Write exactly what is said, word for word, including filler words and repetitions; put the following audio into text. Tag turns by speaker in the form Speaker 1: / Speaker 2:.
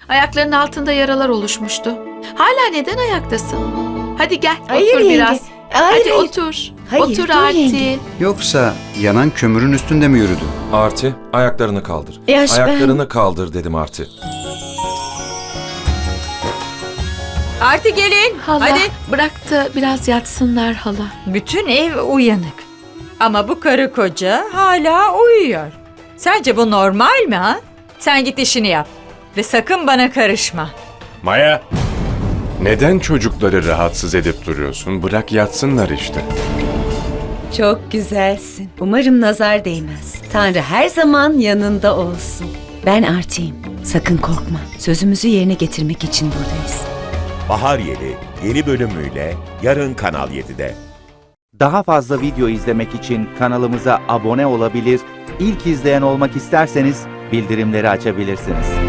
Speaker 1: Ayaklarının altında yaralar oluşmuştu. Hala neden ayaktasın? Hadi gel,
Speaker 2: Hayır
Speaker 1: otur
Speaker 2: yenge.
Speaker 1: biraz.
Speaker 2: Hayır,
Speaker 1: Hadi
Speaker 2: hayır.
Speaker 1: otur.
Speaker 2: Hayır,
Speaker 1: otur
Speaker 2: dur
Speaker 1: Arti.
Speaker 2: yenge.
Speaker 3: Yoksa yanan kömürün üstünde mi yürüdün?
Speaker 4: Arti, ayaklarını kaldır.
Speaker 2: Yaş ben-
Speaker 4: ayaklarını kaldır dedim Arti.
Speaker 5: Arti gelin.
Speaker 1: Hala,
Speaker 5: Hadi.
Speaker 1: bırak da biraz yatsınlar hala.
Speaker 5: Bütün ev uyanık. Ama bu karı koca hala uyuyor. Sence bu normal mi ha? Sen git işini yap. Ve sakın bana karışma.
Speaker 6: Maya, neden çocukları rahatsız edip duruyorsun? Bırak yatsınlar işte.
Speaker 2: Çok güzelsin. Umarım nazar değmez. Tanrı her zaman yanında olsun. Ben Arti'yim. Sakın korkma. Sözümüzü yerine getirmek için buradayız.
Speaker 7: Bahar Yeli yeni bölümüyle yarın Kanal yedide.
Speaker 8: Daha fazla video izlemek için kanalımıza abone olabilir, ilk izleyen olmak isterseniz bildirimleri açabilirsiniz.